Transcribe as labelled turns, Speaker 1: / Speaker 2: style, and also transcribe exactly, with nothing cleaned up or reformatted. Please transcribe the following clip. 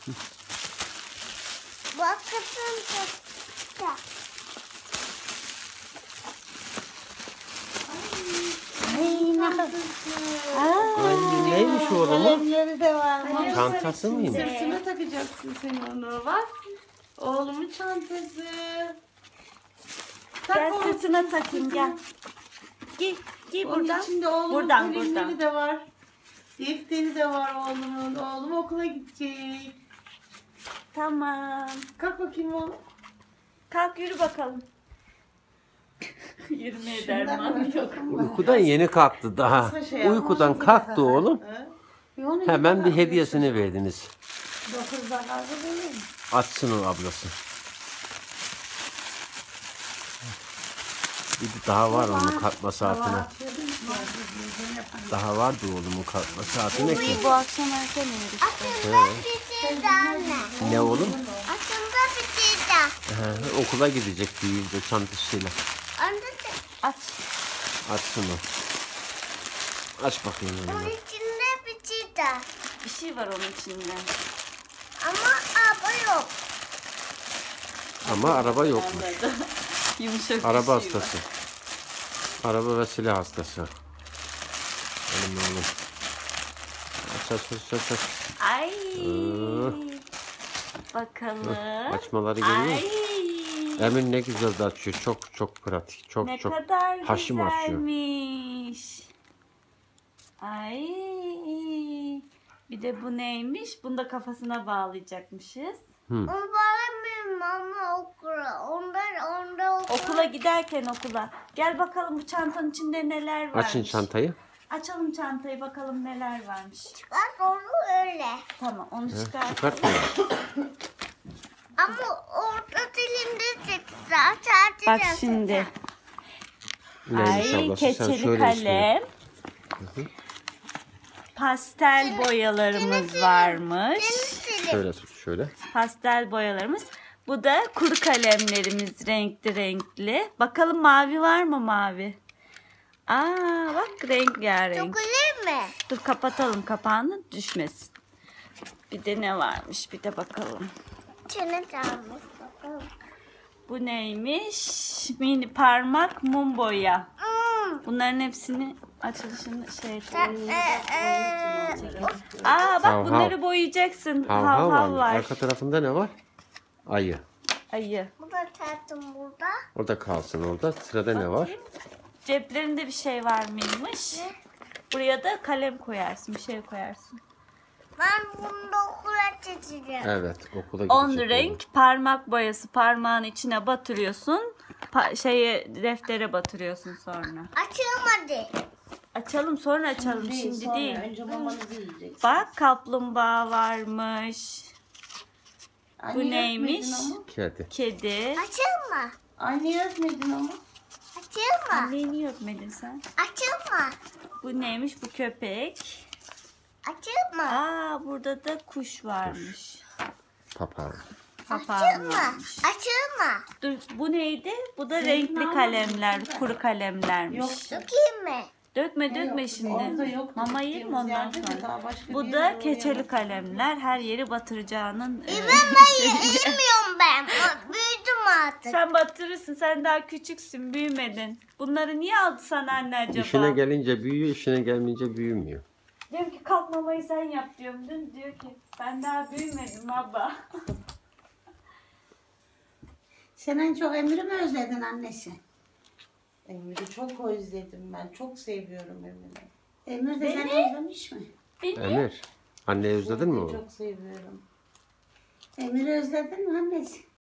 Speaker 1: Bakın da.
Speaker 2: Ay ne kadar.
Speaker 3: Ay, neymiş o oğlumun?
Speaker 2: Kalemleri de var.
Speaker 1: Hayır.
Speaker 3: Çantası mıymış?
Speaker 2: Sırtına takacaksın sen onu. Bak. Oğlumun çantası. Tak
Speaker 1: Gel
Speaker 2: oğlum.
Speaker 1: sırtına takayım gel. Giy, giy
Speaker 2: Onun
Speaker 1: buradan.
Speaker 2: içinde oğlumun
Speaker 1: Buradan,
Speaker 2: kalemleri
Speaker 1: buradan.
Speaker 2: de var. Defteri de var oğlumun. Oğlum okula gidecek.
Speaker 1: Tamam.
Speaker 2: Kalk bakayım oğlum.
Speaker 1: Kalk yürü bakalım. Yürümeye derman yok.
Speaker 3: Uykudan yeni kalktı daha. Uykudan kalktı oğlum. Hemen bir hediyesini verdiniz.
Speaker 2: dokuzda kaldı değil mi?
Speaker 3: Açsın o ablası. Bir de daha var onun kalkma saatine. Daha vardı oğlumun kalkma saatine ki.
Speaker 1: Bu akşam erken uyur işte.
Speaker 4: Aslında bir şey de anne.
Speaker 3: Ne oğlum?
Speaker 4: Aslında bir şey de.
Speaker 3: He, okula gidecek büyüyünce çantasıyla.
Speaker 4: Anne de
Speaker 1: Aç.
Speaker 3: Açsın o. Aç bakayım
Speaker 4: onun
Speaker 3: onu.
Speaker 4: içinde bir şey de.
Speaker 1: Bir şey var onun içinde.
Speaker 4: Ama araba yok.
Speaker 3: Ama araba yokmuş.
Speaker 1: Yumuşak
Speaker 3: Araba
Speaker 1: bir şey
Speaker 3: hastası. Araba ve silah hastası. Benim oğlum. Aç aç aç aç. aç.
Speaker 1: var. Ay.
Speaker 3: Ee.
Speaker 1: Bakalım.
Speaker 3: Açmaları görüyor
Speaker 1: Ay.
Speaker 3: musun? Emin ne güzel de açıyor. Çok çok pratik. Çok
Speaker 1: Ne
Speaker 3: çok
Speaker 1: kadar
Speaker 3: haşim açıyor.
Speaker 1: güzelmiş. Ay. Bir de bu neymiş? Bunu da kafasına bağlayacakmışız.
Speaker 4: Onu bağlamıyorum ama okula. Onlar onda okula.
Speaker 1: Okula giderken okula. Gel bakalım bu çantanın içinde neler varmış.
Speaker 3: Açın çantayı.
Speaker 1: Açalım çantayı bakalım neler varmış.
Speaker 4: Bak onu öyle.
Speaker 1: Tamam onu
Speaker 3: He,
Speaker 1: çıkar.
Speaker 3: çıkartma.
Speaker 4: Ama orta dilimde çıktı. Sadece
Speaker 1: Bak
Speaker 4: çıktı.
Speaker 1: şimdi.
Speaker 3: Neymiş
Speaker 1: Ay
Speaker 3: ablası? Sen
Speaker 1: keçeli
Speaker 3: söyle
Speaker 1: kalem. Pastel boyalarımız varmış.
Speaker 3: ismini. Şöyle tut şöyle.
Speaker 1: Pastel boyalarımız. Bu da kuru kalemlerimiz renkli renkli. Bakalım mavi var mı mavi? Aa bak rengarenk.
Speaker 4: Dokunur mu?
Speaker 1: Dur kapatalım kapağını düşmesin. Bir de ne varmış bir de bakalım.
Speaker 4: Çene çalmış. Bakalım.
Speaker 1: Bu neymiş? Mini parmak mum boya.
Speaker 4: Hmm.
Speaker 1: Bunların hepsini açılışını şey
Speaker 4: Ee, ee,
Speaker 1: Aa bak
Speaker 3: Hav hav.
Speaker 1: bunları boyayacaksın.
Speaker 3: Hav
Speaker 1: Hav
Speaker 3: hav
Speaker 1: hav
Speaker 3: var.
Speaker 1: var.
Speaker 3: Arka tarafında ne var? Ayı.
Speaker 1: Ayı.
Speaker 4: Bu da tatlım burada.
Speaker 3: Orada kalsın orada. Sırada ne var?
Speaker 1: Ceplerinde bir şey var mıymış? Buraya da kalem koyarsın, bir şey koyarsın.
Speaker 4: Ben bunu da okula çizeceğim.
Speaker 3: Evet okula gidecek.
Speaker 1: On
Speaker 3: oğlum.
Speaker 1: renk parmak boyası parmağın içine batırıyorsun. Pa- şeye deftere batırıyorsun sonra.
Speaker 4: Açılmadı.
Speaker 1: Açalım sonra açalım şimdi
Speaker 2: sonra,
Speaker 1: değil.
Speaker 2: Önce mamanızı yiyeceksiniz.
Speaker 1: Bak kaplumbağa varmış.
Speaker 2: Anne
Speaker 1: Bu
Speaker 2: öpmedin
Speaker 1: neymiş?
Speaker 2: ama.
Speaker 3: Kedi.
Speaker 1: Kedi.
Speaker 4: Açılma.
Speaker 2: Anne öpmedin ama.
Speaker 4: Açılma.
Speaker 1: Anneyi niye öpmedin sen?
Speaker 4: Açılma.
Speaker 1: Bu neymiş? Bu köpek.
Speaker 4: Açılma.
Speaker 1: Aa burada da kuş varmış.
Speaker 3: Papağan.
Speaker 1: Papağan
Speaker 4: Açılma.
Speaker 1: varmış.
Speaker 4: Açılma.
Speaker 1: Dur bu neydi? Bu da
Speaker 2: Senin
Speaker 1: renkli
Speaker 2: almadın
Speaker 1: kalemler,
Speaker 2: mı?
Speaker 1: kuru kalemlermiş.
Speaker 2: Yok.
Speaker 4: Dökeyim mi?
Speaker 1: Dökme dökme
Speaker 2: Yok,
Speaker 1: şimdi.
Speaker 2: orada yok.
Speaker 1: Mama yiyeyim mi ondan
Speaker 2: Gittiğimiz yerde de
Speaker 1: sonra?
Speaker 2: daha başka bir
Speaker 1: Bu
Speaker 2: yere
Speaker 1: da
Speaker 2: doğru
Speaker 1: keçeli
Speaker 2: yanaştık.
Speaker 1: kalemler. Her yeri batıracağının. e,
Speaker 4: Bilmiyorum ben. Büyüdüm artık.
Speaker 1: Sen batırırsın. Sen daha küçüksün. Büyümedin. Bunları niye aldı sana anne acaba?
Speaker 3: İşine gelince büyüyor, işine gelmeyince büyümüyor.
Speaker 1: Diyorum ki kalk mamayı sen yap diyorum. Dün diyor ki ben daha büyümedim baba.
Speaker 5: Sen en çok Emir'i mi özledin annesi?
Speaker 2: Emir'i çok özledim ben. Çok seviyorum Emir'i.
Speaker 5: Emir de seni
Speaker 1: Beni?
Speaker 5: özlemiş mi?
Speaker 1: Beni
Speaker 3: Emir, anneyi özledin mi oğlum?
Speaker 2: Çok seviyorum.
Speaker 5: Emir'i özledin mi annesi?